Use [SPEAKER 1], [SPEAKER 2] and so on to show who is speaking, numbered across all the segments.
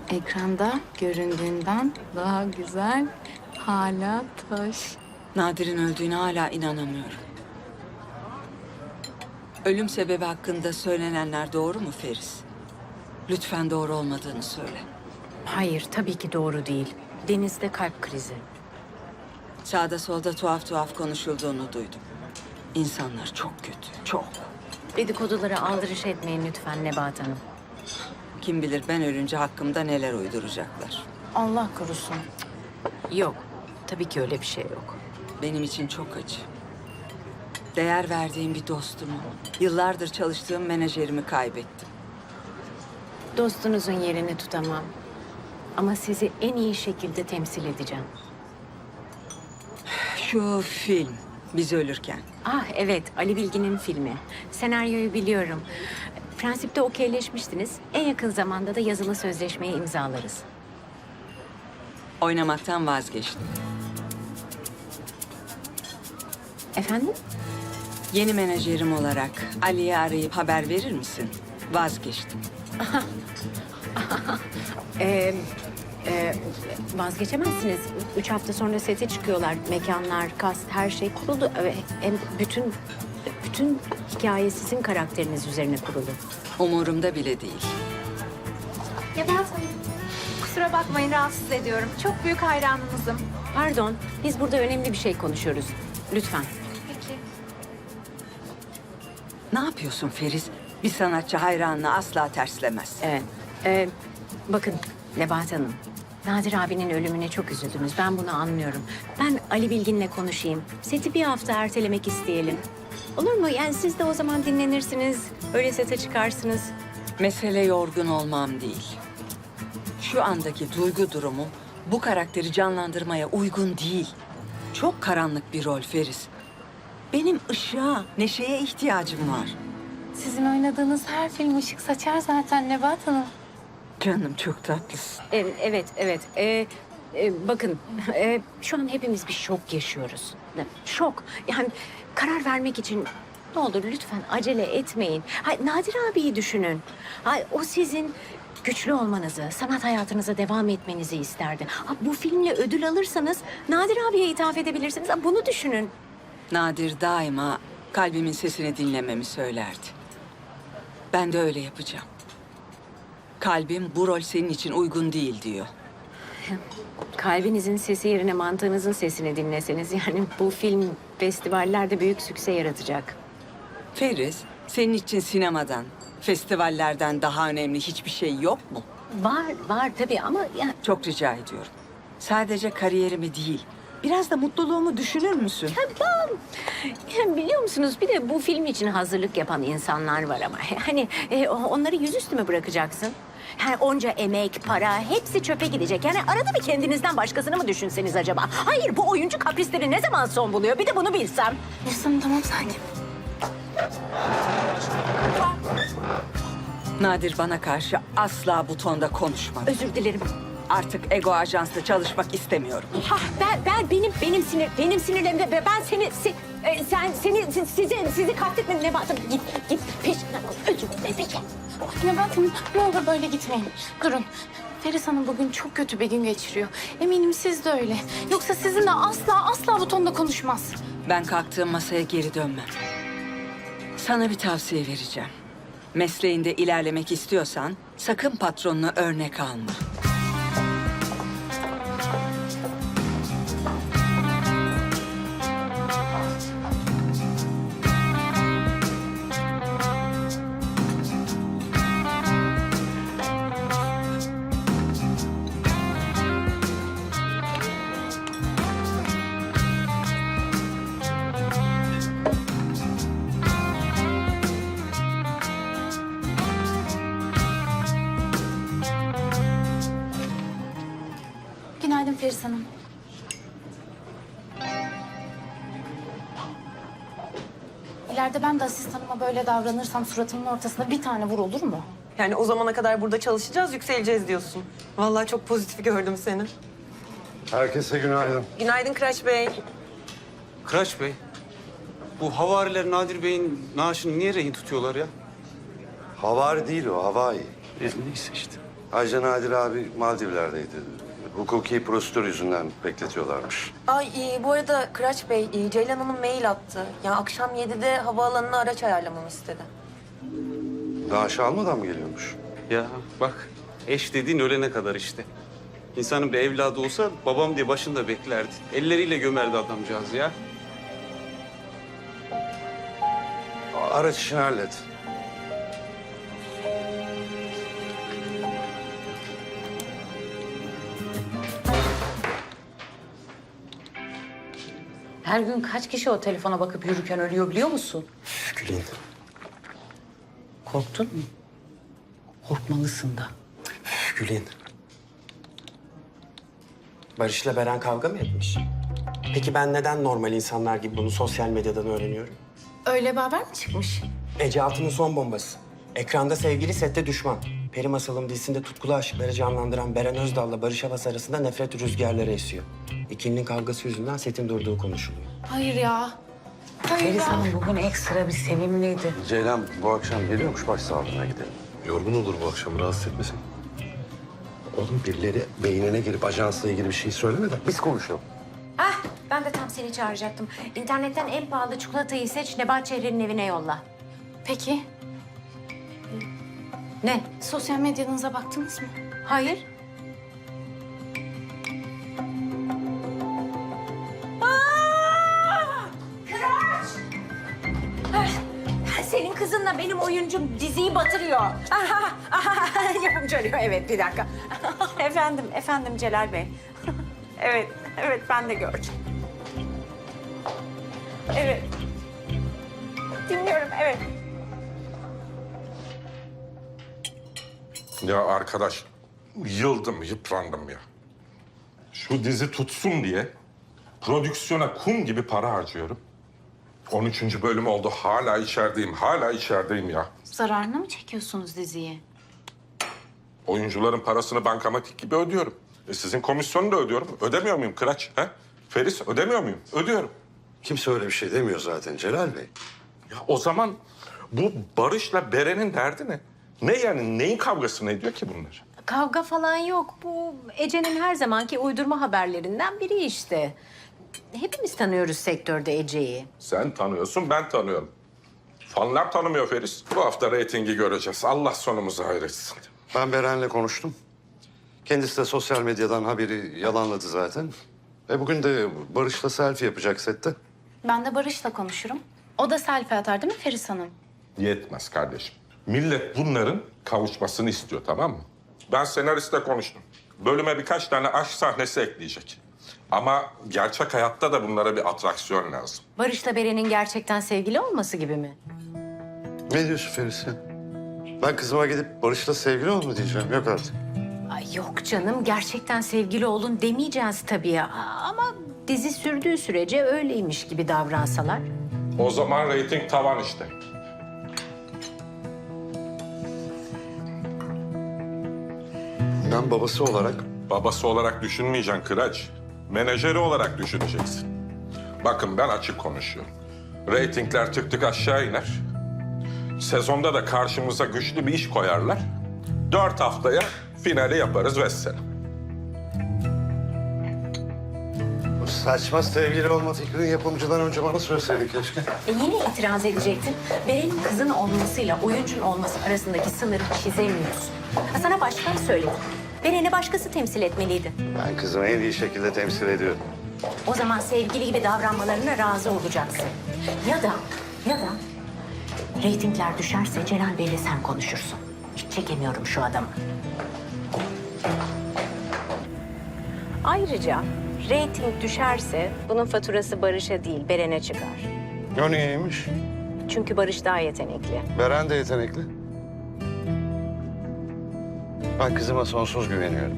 [SPEAKER 1] Ekranda göründüğünden daha güzel. Hala taş.
[SPEAKER 2] Nadir'in öldüğüne hala inanamıyorum. Ölüm sebebi hakkında söylenenler doğru mu Feris? Lütfen doğru olmadığını söyle.
[SPEAKER 3] Hayır, tabii ki doğru değil. Deniz'de kalp krizi.
[SPEAKER 2] Sağda solda tuhaf tuhaf konuşulduğunu duydum. İnsanlar çok kötü, çok.
[SPEAKER 3] Dedikodulara aldırış etmeyin lütfen Nebahat Hanım.
[SPEAKER 2] Kim bilir ben ölünce hakkımda neler uyduracaklar.
[SPEAKER 1] Allah korusun.
[SPEAKER 3] Yok, tabii ki öyle bir şey yok.
[SPEAKER 2] Benim için çok acı. Değer verdiğim bir dostumu, yıllardır çalıştığım menajerimi kaybettim.
[SPEAKER 3] Dostunuzun yerini tutamam. Ama sizi en iyi şekilde temsil edeceğim.
[SPEAKER 2] Şu film, Biz Ölürken.
[SPEAKER 3] Ah evet, Ali Bilgin'in filmi. Senaryoyu biliyorum. Prensipte okeyleşmiştiniz. En yakın zamanda da yazılı sözleşmeyi imzalarız.
[SPEAKER 2] Oynamaktan vazgeçtim.
[SPEAKER 3] Efendim?
[SPEAKER 2] Yeni menajerim olarak Ali'yi arayıp haber verir misin? Vazgeçtim.
[SPEAKER 3] Vazgeçemezsiniz. 3 hafta sonra sete çıkıyorlar. Mekanlar, kast, her şey kuruldu. Hem bütün hikaye sizin karakteriniz üzerine kurulu.
[SPEAKER 2] Umurumda bile değil.
[SPEAKER 4] Nebahat Hanım, kusura bakmayın rahatsız ediyorum. Çok büyük hayranınızım.
[SPEAKER 3] Pardon, biz burada önemli bir şey konuşuyoruz. Lütfen.
[SPEAKER 4] Peki.
[SPEAKER 2] Ne yapıyorsun Feriz? Bir sanatçı hayranını asla terslemez.
[SPEAKER 3] Evet. Bakın Nebahat Hanım, Nadir abinin ölümüne çok üzüldünüz. Ben bunu anlıyorum. Ben Ali Bilgin'le konuşayım. Seti bir hafta ertelemek isteyelim. Olur mu? Yani siz de o zaman dinlenirsiniz. Öyle sete çıkarsınız.
[SPEAKER 2] Mesele yorgun olmam değil. Şu andaki duygu durumum bu karakteri canlandırmaya uygun değil. Çok karanlık bir rol Feriz. Benim ışığa, neşeye ihtiyacım var.
[SPEAKER 1] Sizin oynadığınız her film ışık saçar zaten Nebahat Hanım.
[SPEAKER 2] Canım çok tatlısın.
[SPEAKER 3] Evet. Bakın, şu an hepimiz bir şok yaşıyoruz. Şok. Yani karar vermek için ne olur lütfen acele etmeyin. Nadir abiyi düşünün. O sizin güçlü olmanızı, sanat hayatınıza devam etmenizi isterdi. Bu filmle ödül alırsanız Nadir abiye ithaf edebilirsiniz. Bunu düşünün.
[SPEAKER 2] Nadir daima kalbimin sesini dinlememi söylerdi. Ben de öyle yapacağım. Kalbim bu rol senin için uygun değil diyor.
[SPEAKER 3] Kalbinizin sesi yerine mantığınızın sesini dinleseniz yani bu film festivallerde büyük sükse yaratacak.
[SPEAKER 2] Feriz, senin için sinemadan, festivallerden daha önemli hiçbir şey yok mu?
[SPEAKER 3] Var tabii ama yani
[SPEAKER 2] Çok rica ediyorum. Sadece kariyerimi değil, biraz da mutluluğumu düşünür müsün?
[SPEAKER 3] Yani biliyor musunuz bir de bu film için hazırlık yapan insanlar var ama hani onları yüzüstü mü bıracaksın? Yani onca emek, para hepsi çöpe gidecek. Yani arada bir kendinizden başkasını mı düşünseniz acaba? Hayır bu oyuncu kaprisleri ne zaman son buluyor? Bir de bunu bilsem.
[SPEAKER 1] Efendim tamam sakin.
[SPEAKER 2] Nadir bana karşı asla bu tonda konuşmadı.
[SPEAKER 3] Özür dilerim.
[SPEAKER 2] Artık Ego Ajans'ta çalışmak istemiyorum.
[SPEAKER 3] Benim sinirlerimde ben sizi kastetmedim Nebahat'ım. Git peşinden koş. Özür dilerim peki.
[SPEAKER 1] Nebahat Hanım ne olur böyle gitmeyin. Durun. Feris Hanım bugün çok kötü bir gün geçiriyor. Eminim siz de öyle. Yoksa sizinle asla bu tonda konuşmaz.
[SPEAKER 2] Ben kalktığım masaya geri dönmem. Sana bir tavsiye vereceğim. Mesleğinde ilerlemek istiyorsan sakın patronuna örnek alma.
[SPEAKER 1] Günaydın Feris Hanım. İleride ben de asistanıma böyle davranırsam suratımın ortasına bir tane vur olur mu?
[SPEAKER 5] Yani o zamana kadar burada çalışacağız, yükseleceğiz diyorsun. Vallahi çok pozitif gördüm seni.
[SPEAKER 6] Herkese günaydın.
[SPEAKER 5] Günaydın Kıraç Bey.
[SPEAKER 7] Kıraç Bey, bu havariler Nadir Bey'in naaşını niye rehin tutuyorlar ya?
[SPEAKER 6] Havari değil o, havai.
[SPEAKER 7] Neyse işte.
[SPEAKER 6] Ayrıca Nadir abi Maldivler'deydi. Hukuki prosedür yüzünden bekletiyorlarmış.
[SPEAKER 5] Ay bu arada Kıraç Bey, Ceylan Hanım mail attı. Ya akşam 7'de havaalanına araç ayarlamamı istedi.
[SPEAKER 6] Daha aşağı almadan mı geliyormuş?
[SPEAKER 7] Ya bak, eş dediğin ölene kadar işte. İnsanın bir evladı olsa babam diye başında beklerdi. Elleriyle gömerdi adamcağız ya.
[SPEAKER 6] Araç işini hallet.
[SPEAKER 3] Her gün kaç kişi o telefona bakıp yürürken ölüyor biliyor musun?
[SPEAKER 8] Gülün,
[SPEAKER 3] Korktun mu? Korkmalısın da.
[SPEAKER 8] Gülün. Barış'la Beren kavga mı etmiş? Peki ben neden normal insanlar gibi bunu sosyal medyadan öğreniyorum?
[SPEAKER 1] Öyle bir haber mi çıkmış?
[SPEAKER 8] Ece Altun'un son bombası. Ekranda sevgili, sette düşman. Peri Masalım dizisinde tutkulu aşıkları canlandıran Beren Özdal'la Barış Havas arasında nefret rüzgarları esiyor. İkilinin kavgası yüzünden setin durduğu konuşuluyor.
[SPEAKER 1] Hayır ya. Hayır
[SPEAKER 3] Feris
[SPEAKER 1] ya.
[SPEAKER 3] Hanım bugün ekstra bir sevimliydi.
[SPEAKER 6] Ceylan bu akşam geliyormuş, başsağlığına gidelim.
[SPEAKER 9] Yorgun olur bu akşam, rahatsız etmesin.
[SPEAKER 6] Oğlum birileri beynine girip ajansla ilgili bir şey söylemeden biz konuşalım.
[SPEAKER 3] Ah, ben de tam seni çağıracaktım. İnternetten en pahalı çikolatayı seç, Nebahat Çehre'nin evine yolla.
[SPEAKER 1] Peki,
[SPEAKER 3] Ne?
[SPEAKER 1] sosyal medyanıza baktınız mı?
[SPEAKER 3] Hayır. Senin kızınla benim oyuncum diziyi batırıyor. Yapımcı arıyor. Evet, bir dakika. efendim Celal Bey. evet ben de gördüm. Evet. Dinliyorum, evet.
[SPEAKER 9] Ya arkadaş, yıldım, yıprandım ya. Şu dizi tutsun diye prodüksiyona kum gibi para harcıyorum. 13. bölüm oldu, hala içerideyim ya.
[SPEAKER 1] Zararını mı çekiyorsunuz diziye?
[SPEAKER 9] Oyuncuların parasını bankamatik gibi ödüyorum. Sizin komisyonu da ödüyorum. Ödemiyor muyum Kıraç? He? Feris, ödemiyor muyum? Ödüyorum.
[SPEAKER 6] Kimse öyle bir şey demiyor zaten Celal Bey.
[SPEAKER 9] Ya o zaman bu Barış'la Beren'in derdi ne? Ne yani, neyin kavgasını ediyor ki bunlar?
[SPEAKER 3] Kavga falan yok. Bu Ece'nin her zamanki uydurma haberlerinden biri işte. Hepimiz tanıyoruz sektörde Ece'yi.
[SPEAKER 9] Sen tanıyorsun, ben tanıyorum. Fanlar tanımıyor Feris. Bu hafta reytingi göreceğiz. Allah sonumuzu hayretsin.
[SPEAKER 6] Ben Beren'le konuştum. Kendisi de sosyal medyadan haberi yalanladı zaten. Bugün de Barış'la selfie yapacak sette.
[SPEAKER 1] Ben de Barış'la konuşurum. O da selfie atar değil mi Feris Hanım?
[SPEAKER 9] Yetmez kardeşim. Millet bunların kavuşmasını istiyor, tamam mı? Ben senaristle konuştum. Bölüme birkaç tane aşk sahnesi ekleyecek. Ama gerçek hayatta da bunlara bir atraksiyon lazım.
[SPEAKER 3] Barış'la Beren'in gerçekten sevgili olması gibi mi?
[SPEAKER 6] Ne diyorsun Feris ya? Ben kızıma gidip Barış'la sevgili ol mu diyeceğim? Yok artık.
[SPEAKER 3] Ay yok canım, gerçekten sevgili olun demeyeceğiz tabii ya. Ama dizi sürdüğü sürece öyleymiş gibi davransalar.
[SPEAKER 9] O zaman reyting tavan işte.
[SPEAKER 6] Ben babası olarak
[SPEAKER 9] Babası olarak düşünmeyeceksin Kıraç. Menajeri olarak düşüneceksin. Bakın ben açık konuşuyorum. Reytingler tık tık aşağı iner. Sezonda da karşımıza güçlü bir iş koyarlar. 4 haftaya finali yaparız vesselam.
[SPEAKER 6] bu saçma sevgili olma fikrini yapımcıdan önce bana söyleseydin keşke.
[SPEAKER 3] Yine itiraz edecektin. Beren'in kızın olmasıyla oyuncun olması arasındaki sınırı çizemiyorsun. Sana başkan söyledi. Beren'i başkası temsil etmeliydi.
[SPEAKER 6] Ben kızımı en iyi şekilde temsil ediyorum.
[SPEAKER 3] O zaman sevgili gibi davranmalarına razı olacaksın. Ya da reytingler düşerse Celal Bey'le sen konuşursun. Hiç çekemiyorum şu adamı. Ayrıca reyting düşerse bunun faturası Barış'a değil Beren'e çıkar.
[SPEAKER 6] O niyeymiş?
[SPEAKER 3] Çünkü Barış daha yetenekli.
[SPEAKER 6] Beren de yetenekli. Ben kızıma sonsuz güveniyorum.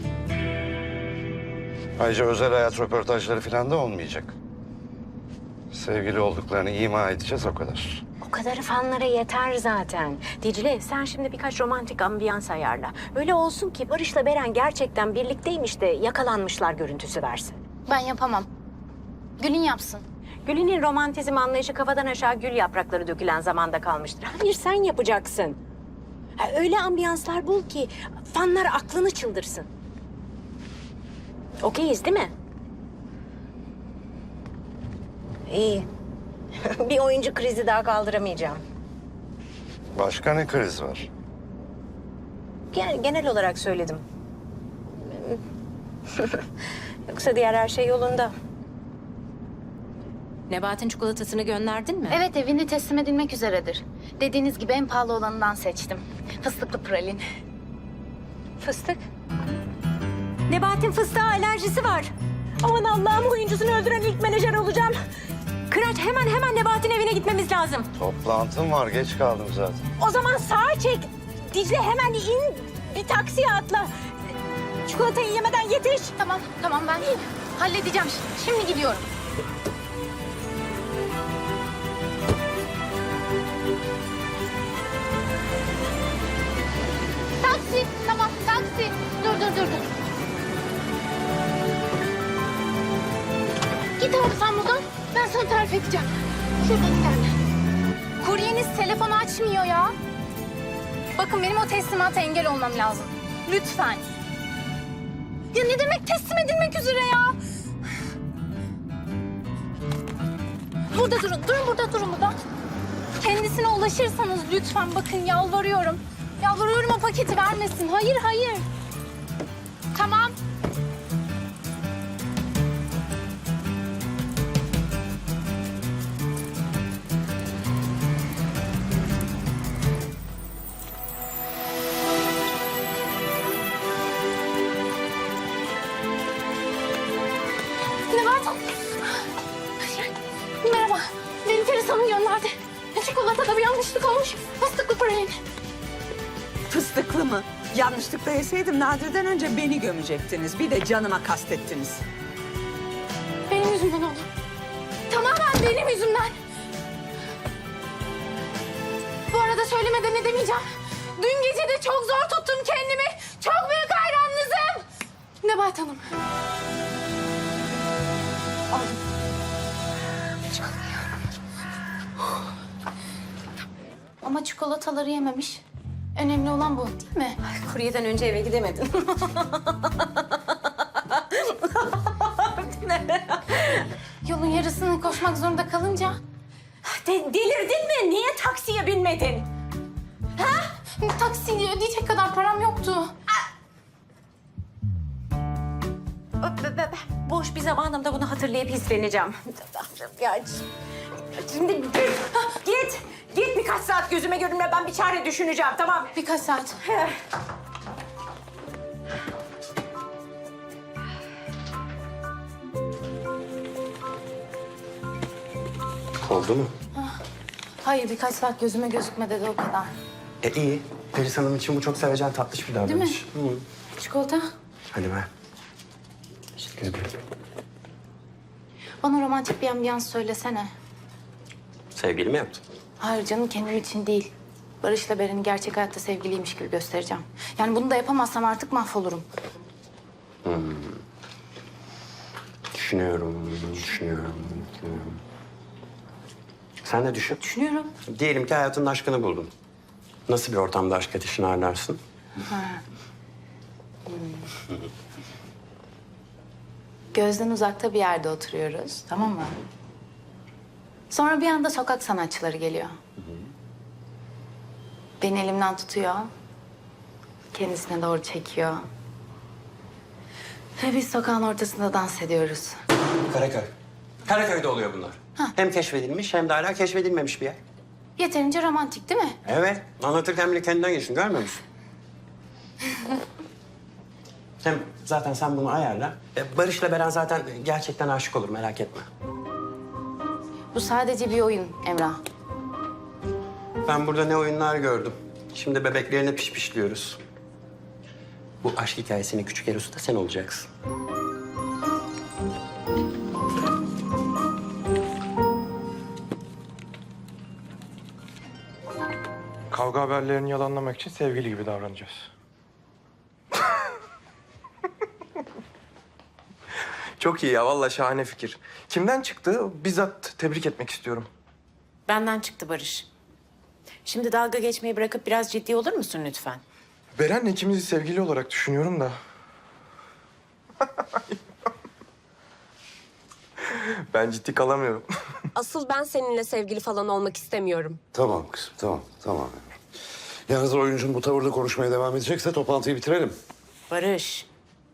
[SPEAKER 6] Ayrıca özel hayat röportajları falan da olmayacak. Sevgili olduklarını ima edeceğiz o kadar.
[SPEAKER 3] O kadarı fanlara yeter zaten. Dicle sen şimdi birkaç romantik ambiyans ayarla. Öyle olsun ki Barış'la Beren gerçekten birlikteymiş de yakalanmışlar görüntüsü versin.
[SPEAKER 1] Ben yapamam. Gül'ün yapsın.
[SPEAKER 3] Gül'ün romantizm anlayışı kafadan aşağı gül yaprakları dökülen zamanda kalmıştır. Hayır sen yapacaksın. Ha, öyle ambiyanslar bul ki fanlar aklını çıldırsın. Okeyiz değil mi? İyi. Bir oyuncu krizi daha kaldıramayacağım.
[SPEAKER 6] Başka ne kriz var?
[SPEAKER 3] Genel olarak söyledim. Yoksa diğer her şey yolunda. Nebahat'in çikolatasını gönderdin mi?
[SPEAKER 1] Evet, evine teslim edilmek üzeredir. Dediğiniz gibi en pahalı olanından seçtim. Fıstıklı pralin.
[SPEAKER 3] Fıstık. Nebahat'in fıstığa alerjisi var. Aman Allah'ım, oyuncusunu öldüren ilk menajer olacağım. Kıraç, hemen Nebahat'in evine gitmemiz lazım.
[SPEAKER 6] Toplantım var, geç kaldım zaten.
[SPEAKER 3] O zaman sağa çek. Dicle hemen in, bir taksiye atla. Çikolatayı yemeden yetiş.
[SPEAKER 1] Tamam ben halledeceğim. Şimdi gidiyorum. Taksi, tamam taksi. Dur. Git abi sen buradan. Ben sana tarif edeceğim. Şuradan ilerle. Kuryeniz telefonu açmıyor ya. Bakın benim o teslimata engel olmam lazım. Lütfen. Ya ne demek teslim edilmek üzere ya? Burada durun. Durun burada. Kendisine ulaşırsanız lütfen bakın yalvarıyorum. Yalvarıyorum o paketi vermesin. Hayır. Tamam. Ne var? Merhaba. Beni Feris Hanım gönderdi. Çikolatada bir yanlışlık olmuş. Fıstıklı pralin.
[SPEAKER 2] Fıstıklı mı? Yanlışlıkla yeseydim Nadir'den önce beni gömecektiniz. Bir de canıma kastettiniz.
[SPEAKER 1] Benim yüzümden oldu. Tamamen benim yüzümden. Bu arada söylemeden edemeyeceğim. Dün gece de çok zor tuttum kendimi. Çok büyük hayranınızım. Nebahat Hanım. Aldım. Ama çikolataları yememiş. Önemli olan bu değil mi?
[SPEAKER 3] Kuryeden önce eve gidemedin.
[SPEAKER 1] Yolun yarısını koşmak zorunda kalınca...
[SPEAKER 3] Delirdin mi? Niye taksiye binmedin?
[SPEAKER 1] Taksi ödeyecek kadar param yoktu.
[SPEAKER 3] Boş bir zamanımda bunu hatırlayıp hisleneceğim. Ya, şimdi git birkaç saat gözüme görünme, ben bir çare düşüneceğim, tamam?
[SPEAKER 1] Birkaç saat.
[SPEAKER 8] Oldu mu?
[SPEAKER 1] Hayır, birkaç saat gözüme gözükme dedi o kadar.
[SPEAKER 8] İyi. Feris Hanım için bu çok sevecen, tatlış bir davranış.
[SPEAKER 1] Değil mi?
[SPEAKER 8] Hı.
[SPEAKER 1] Çikolata.
[SPEAKER 8] Hadi ver. Teşekkür ederim.
[SPEAKER 1] Bana romantik bir ambiyans söylesene.
[SPEAKER 8] Sevgili mi yaptın?
[SPEAKER 1] Hayır canım, kendim için değil. Barış'la Beren'i gerçek hayatta sevgiliymiş gibi göstereceğim. Yani bunu da yapamazsam artık mahvolurum.
[SPEAKER 8] Düşünüyorum. Sen de düşün.
[SPEAKER 1] Düşünüyorum.
[SPEAKER 8] Diyelim ki hayatının aşkını buldun. Nasıl bir ortamda aşk ateşini ağırlarsın?
[SPEAKER 1] Gözden uzakta bir yerde oturuyoruz, tamam mı? Sonra bir anda sokak sanatçıları geliyor. Beni elimden tutuyor. Kendisine doğru çekiyor. Ve biz sokağın ortasında dans ediyoruz.
[SPEAKER 8] Karaköy. Karaköy'de oluyor bunlar. Hem keşfedilmiş hem de hala keşfedilmemiş bir yer.
[SPEAKER 1] Yeterince romantik değil mi?
[SPEAKER 8] Evet. Anlatırken bile kendinden geçtin. Görmüyor musun? Hem zaten sen bunu ayarla. Barış'la Beren zaten gerçekten aşık olur. Merak etme.
[SPEAKER 1] Bu sadece bir oyun Emrah.
[SPEAKER 8] Ben burada ne oyunlar gördüm. Şimdi bebeklerine pişpişliyoruz. Bu aşk hikayesinin küçük erosu da sen olacaksın.
[SPEAKER 10] Kavga haberlerini yalanlamak için sevgili gibi davranacağız. Çok iyi ya, vallahi şahane fikir. Kimden çıktı? Bizzat tebrik etmek istiyorum.
[SPEAKER 3] Benden çıktı Barış. Şimdi dalga geçmeyi bırakıp biraz ciddi olur musun lütfen?
[SPEAKER 10] Beren'le ikimizi sevgili olarak düşünüyorum da. Ben ciddi kalamıyorum.
[SPEAKER 11] Asıl ben seninle sevgili falan olmak istemiyorum.
[SPEAKER 6] Tamam kızım, tamam. Yalnız oyuncun bu tavırda konuşmaya devam edecekse toplantıyı bitirelim.
[SPEAKER 3] Barış.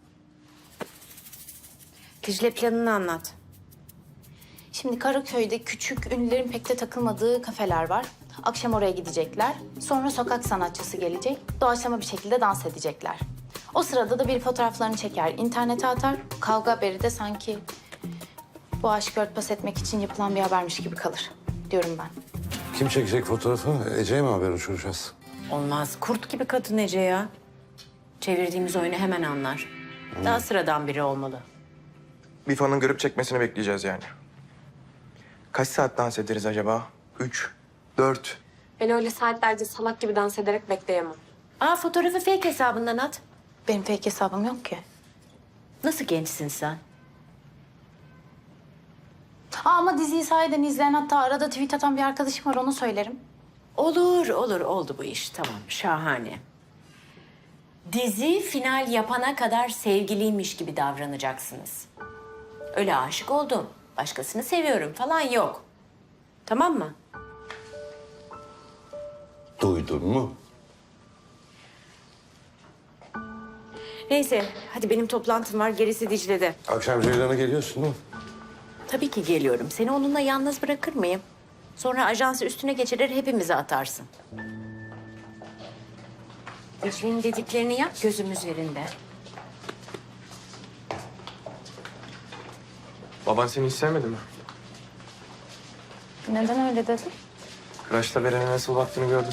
[SPEAKER 3] Dicle planını anlat.
[SPEAKER 1] Şimdi Karaköy'de küçük, ünlülerin pek de takılmadığı kafeler var. Akşam oraya gidecekler. Sonra sokak sanatçısı gelecek. Doğaçlama bir şekilde dans edecekler. O sırada da bir fotoğraflarını çeker, internete atar. Kavga haberi de sanki bu aşkı örtbas etmek için yapılan bir habermiş gibi kalır diyorum ben.
[SPEAKER 6] Kim çekecek fotoğrafı? Ece'ye mi haber uçuracağız?
[SPEAKER 3] Olmaz. Kurt gibi kadın Ece ya. Çevirdiğimiz oyunu hemen anlar. Daha sıradan biri olmalı.
[SPEAKER 10] Bir fanın görüp çekmesini bekleyeceğiz yani. Kaç saat dans ederiz acaba? 3, 4.
[SPEAKER 11] Ben öyle saatlerce salak gibi dans ederek bekleyemem.
[SPEAKER 3] Aa, fotoğrafı fake hesabından at.
[SPEAKER 1] Benim fake hesabım yok ki.
[SPEAKER 3] Nasıl gençsin sen?
[SPEAKER 1] Ama diziyi sahiden izleyen, hatta arada tweet atan bir arkadaşım var, onu söylerim.
[SPEAKER 3] Olur, oldu bu iş. Tamam, şahane. Dizi final yapana kadar sevgiliymiş gibi davranacaksınız. Öyle aşık oldum, başkasını seviyorum falan yok. Tamam mı?
[SPEAKER 6] Duydun mu?
[SPEAKER 3] Neyse, hadi benim toplantım var, gerisi Dicle'de.
[SPEAKER 6] Akşam Ceylan'a geliyorsun değil mi?
[SPEAKER 3] Tabii ki geliyorum. Seni onunla yalnız bırakır mıyım? Sonra ajansı üstüne geçirir, hepimizi atarsın. Dicle'nin dediklerini yap, gözüm üzerinde.
[SPEAKER 10] Baban seni hiç sevmedi mi?
[SPEAKER 1] Neden öyle dedin?
[SPEAKER 10] Kıraç'ta Beren'e nasıl baktığını gördüm.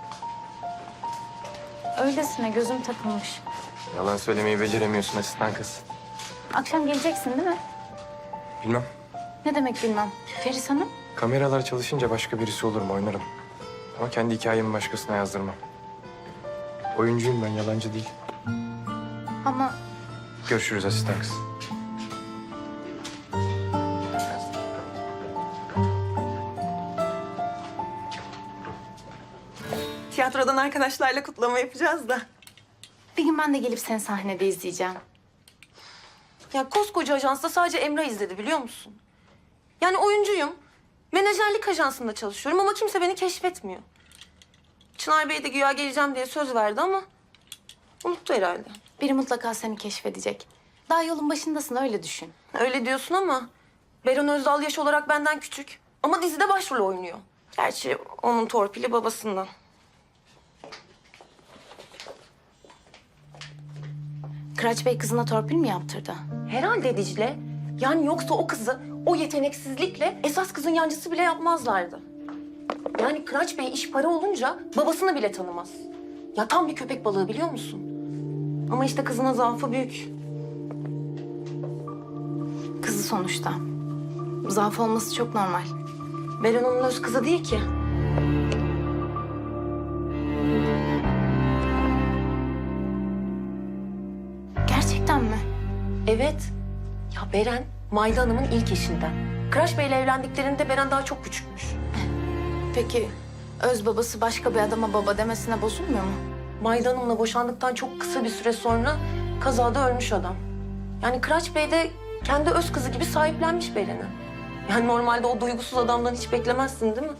[SPEAKER 1] Öylesine gözüm takılmış.
[SPEAKER 10] Yalan söylemeyi beceremiyorsun asistan kız.
[SPEAKER 1] Akşam geleceksin değil mi?
[SPEAKER 10] Bilmem.
[SPEAKER 1] Ne demek bilmem. Feris Hanım?
[SPEAKER 10] Kameralar çalışınca başka birisi olur mu oynarım. Ama kendi hikayemi başkasına yazdırmam. Oyuncuyum ben, yalancı değil.
[SPEAKER 1] Ama
[SPEAKER 10] Görüşürüz asistan kız.
[SPEAKER 5] Tiyatrodan arkadaşlarla kutlama yapacağız da.
[SPEAKER 1] bir gün ben de gelip seni sahnede izleyeceğim.
[SPEAKER 5] Ya koskoca ajansta sadece Emrah izledi biliyor musun? Yani oyuncuyum. Menajerlik ajansında çalışıyorum ama kimse beni keşfetmiyor. Çınar Bey de güya geleceğim diye söz verdi ama unuttu herhalde.
[SPEAKER 1] Biri mutlaka seni keşfedecek. Daha yolun başındasın, öyle düşün.
[SPEAKER 5] Öyle diyorsun ama Beren Özdal yaş olarak benden küçük. Ama dizide başrol oynuyor. Gerçi onun torpili babasından.
[SPEAKER 1] Kıraç Bey kızına torpil mi yaptırdı?
[SPEAKER 5] Herhalde Dicle. Yani yoksa o kızı o yeteneksizlikle esas kızın yancısı bile yapmazlardı. Yani Kıraç Bey iş para olunca babasını bile tanımaz. Ya tam bir köpek balığı biliyor musun? Ama işte kızına zaafı büyük.
[SPEAKER 1] Kızı sonuçta. Zaaf olması çok normal.
[SPEAKER 5] Beren onun öz kızı değil ki.
[SPEAKER 1] Gerçekten mi?
[SPEAKER 5] Evet. Ya Beren, Mayda Hanım'ın ilk eşinden. Kıraç Bey'le evlendiklerinde Beren daha çok küçükmüş.
[SPEAKER 1] Peki öz babası başka bir adama baba demesine bozulmuyor mu?
[SPEAKER 5] Mayda Hanım'la boşandıktan çok kısa bir süre sonra kazada ölmüş adam. Yani Kıraç Bey de kendi öz kızı gibi sahiplenmiş Beren'i. Yani normalde o duygusuz adamdan hiç beklemezsin değil mi?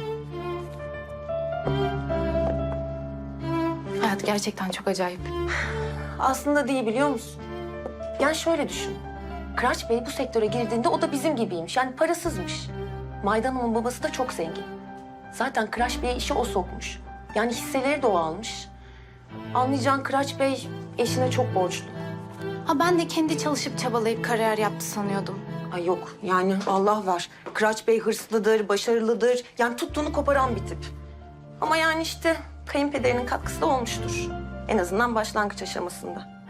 [SPEAKER 1] Hayat gerçekten çok acayip.
[SPEAKER 5] Aslında değil biliyor musun? Yani şöyle düşün. Kıraç Bey bu sektöre girdiğinde o da bizim gibiymiş. Yani parasızmış. Mayda Hanım'ın babası da çok zengin. Zaten Kıraç Bey'e işe o sokmuş. Yani hisseleri de o almış. Anlayacağın Kıraç Bey eşine çok borçlu.
[SPEAKER 1] Ha, ben de kendi çalışıp çabalayıp kariyer yaptı sanıyordum.
[SPEAKER 5] Ay yok yani Allah var. Kıraç Bey hırslıdır, başarılıdır. Yani tuttuğunu koparan bir tip. Ama yani işte kayınpederinin katkısı da olmuştur. En azından başlangıç aşamasında.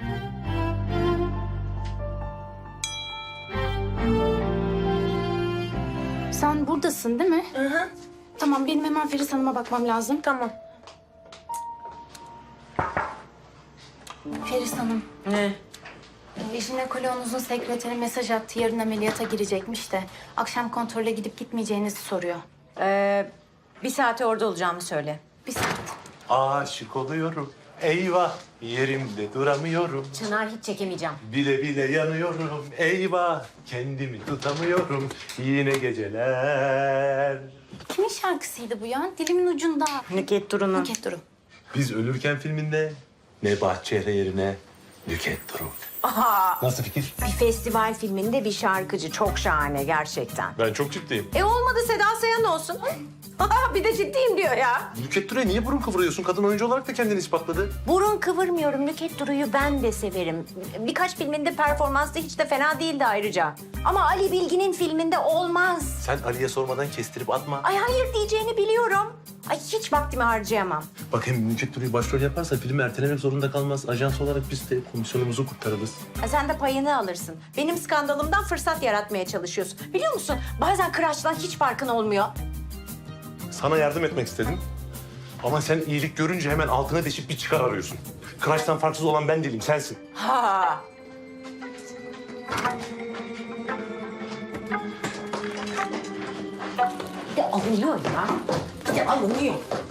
[SPEAKER 1] Sen buradasın değil mi?
[SPEAKER 5] Hı hı.
[SPEAKER 1] Tamam, benim hemen Feris Hanım'a bakmam lazım.
[SPEAKER 5] Tamam.
[SPEAKER 1] Feris Hanım,
[SPEAKER 3] Ne?
[SPEAKER 1] jinekoloğunuzun sekreteri mesaj attı. Yarın ameliyata girecekmiş de akşam kontrole gidip gitmeyeceğinizi soruyor.
[SPEAKER 3] Bir saate orada olacağımı söyle.
[SPEAKER 1] Bir saat.
[SPEAKER 12] Aşık oluyorum. Eyvah yerimde duramıyorum.
[SPEAKER 3] Çınar hiç çekemeyeceğim.
[SPEAKER 12] Bile bile yanıyorum. Eyvah kendimi tutamıyorum. Yine geceler.
[SPEAKER 1] Kimin şarkısıydı bu ya? Dilimin ucunda.
[SPEAKER 3] Nükhet Duru'nun.
[SPEAKER 1] Nükhet Duru.
[SPEAKER 12] Biz ölürken filminde Nebahat Çehre yerine Nükhet Duru. Nasıl fikir?
[SPEAKER 3] Bir festival filminde bir şarkıcı. Çok şahane gerçekten.
[SPEAKER 12] Ben çok ciddiyim.
[SPEAKER 3] Olmadı Seda Sayan olsun. Bir de ciddiyim diyor ya.
[SPEAKER 12] Nükhet Duru'ya niye burun kıvırıyorsun? Kadın oyuncu olarak da kendini ispatladı.
[SPEAKER 3] Burun kıvırmıyorum. Nükhet Duru'yu ben de severim. Birkaç filminde performansı hiç de fena değildi ayrıca. Ama Ali Bilgin'in filminde olmaz.
[SPEAKER 12] Sen Ali'ye sormadan kestirip atma.
[SPEAKER 3] Ay hayır diyeceğini biliyorum. Ay hiç vaktimi harcayamam.
[SPEAKER 12] Bak hem Nükhet Duru'yu başrol yaparsa film ertelemek zorunda kalmaz. Ajans olarak biz de komisyonumuzu kurtarırız.
[SPEAKER 3] Sen de payını alırsın. Benim skandalımdan fırsat yaratmaya çalışıyorsun. Biliyor musun? Bazen Kıraç'tan hiç farkın olmuyor.
[SPEAKER 12] Sana yardım etmek istedim. Ama sen iyilik görünce hemen altına deşip bir çıkar arıyorsun. Kıraç'tan farksız olan ben değilim, sensin.
[SPEAKER 3] Ha. Bir de alınıyor ya. Bir de alınıyor.